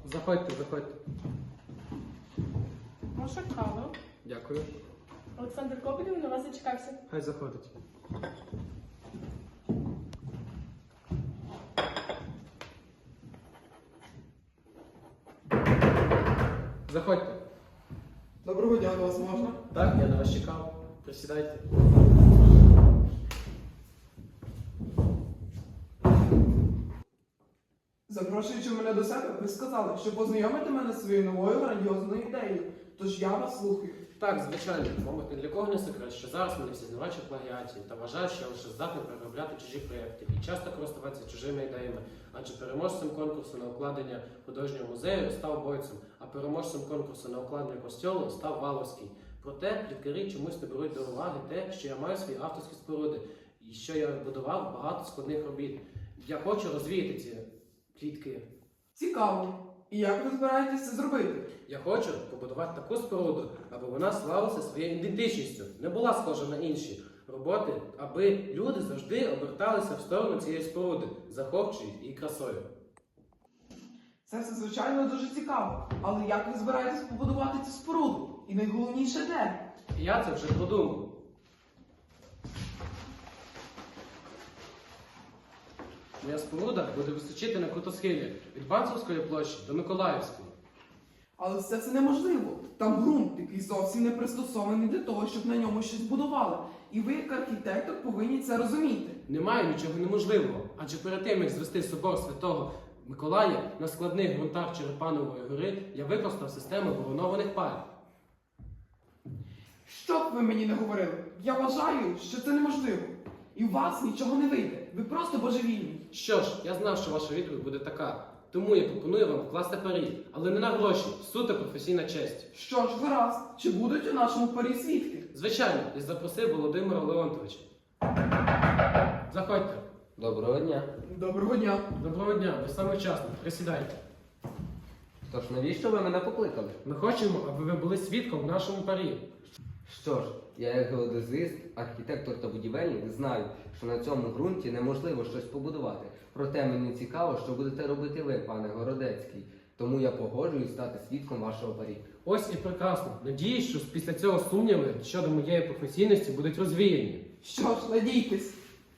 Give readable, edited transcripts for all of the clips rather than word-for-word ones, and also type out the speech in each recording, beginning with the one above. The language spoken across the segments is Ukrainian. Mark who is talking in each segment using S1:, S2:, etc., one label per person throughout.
S1: Заходьте, заходьте.
S2: Ваша кава.
S1: Дякую.
S2: Олександр Кобилів на вас зачекався.
S1: Хай заходить. Заходьте.
S3: Доброго дня, до вас можна?
S1: Так, я на вас чекав. Присідайте.
S3: Запрошуючи мене до себе, ви сказали, що познайомите мене з своєю новою грандіозною ідеєю. Тож я вас слухаю.
S1: Так, звичайно, мабуть, ні для кого не секрет, що зараз мене всі знавачі плагіаті та вважають, що я лише здатний переробляти чужі проєкти і часто користуватися чужими ідеями, адже переможцем конкурсу на укладення художнього музею став Бойцем, а переможцем конкурсу на укладення костьолу став Валовський. Проте пліткарі чомусь не беруть до уваги те, що я маю свої авторські споруди і що я будував багато складних робіт. Я хочу розвіяти ці плітки.
S3: Цікаво. І як ви збираєтесь це зробити?
S1: Я хочу побудувати таку споруду, аби вона славилася своєю ідентичністю, не була схожа на інші роботи, аби люди завжди оберталися в сторону цієї споруди, захопчують її красою.
S3: Це все, звичайно, дуже цікаво. Але як ви збираєтесь побудувати цю споруду? І найголовніше де?
S1: І я це вже продумав. Моя споруда буде височити на крутосхилі від Банцевської площі до Миколаївської.
S3: Але це неможливо. Там ґрунт, який зовсім не пристосований для того, щоб на ньому щось будували. І ви, як архітектор, повинні це розуміти.
S1: Немає нічого неможливого, адже перед тим, як звести собор Святого Миколая на складних ґрунтах Черепанової гори, я використав систему воронованих пар.
S3: Що б ви мені не говорили, я вважаю, що це неможливо. І у вас нічого не вийде. Ви просто божевільні.
S1: Що ж, я знав, що ваша відповідь буде така. Тому я пропоную вам вкласти парі, але не на гроші, суто професійна честь.
S3: Що ж, гаразд, чи будуть у нашому парі свідки?
S1: Звичайно, я запросив Володимира Леонтовича. Заходьте.
S4: Доброго дня.
S3: Доброго дня.
S1: Доброго дня, ви саме вчасно. Присідайте.
S4: Тож навіщо ви мене покликали?
S1: Ми хочемо, аби ви були свідком в нашому парі.
S4: Що ж, я як геодезист, архітектор та будівельник знаю, що на цьому ґрунті неможливо щось побудувати. Проте мені цікаво, що будете робити ви, пане Городецький. Тому я погоджуюсь стати свідком вашого парі.
S1: Ось і прекрасно. Надіюсь, що після цього сумніви щодо моєї професійності будуть розвіяні.
S3: Що ж, надійтесь.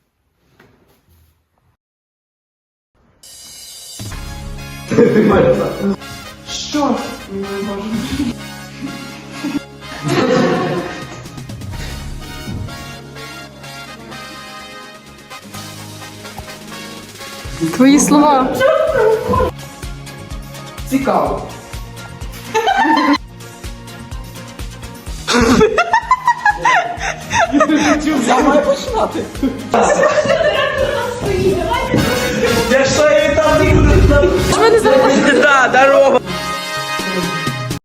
S3: Що ж, ми можемо.
S2: Твої слова.
S3: Цікаво. Я маю починати.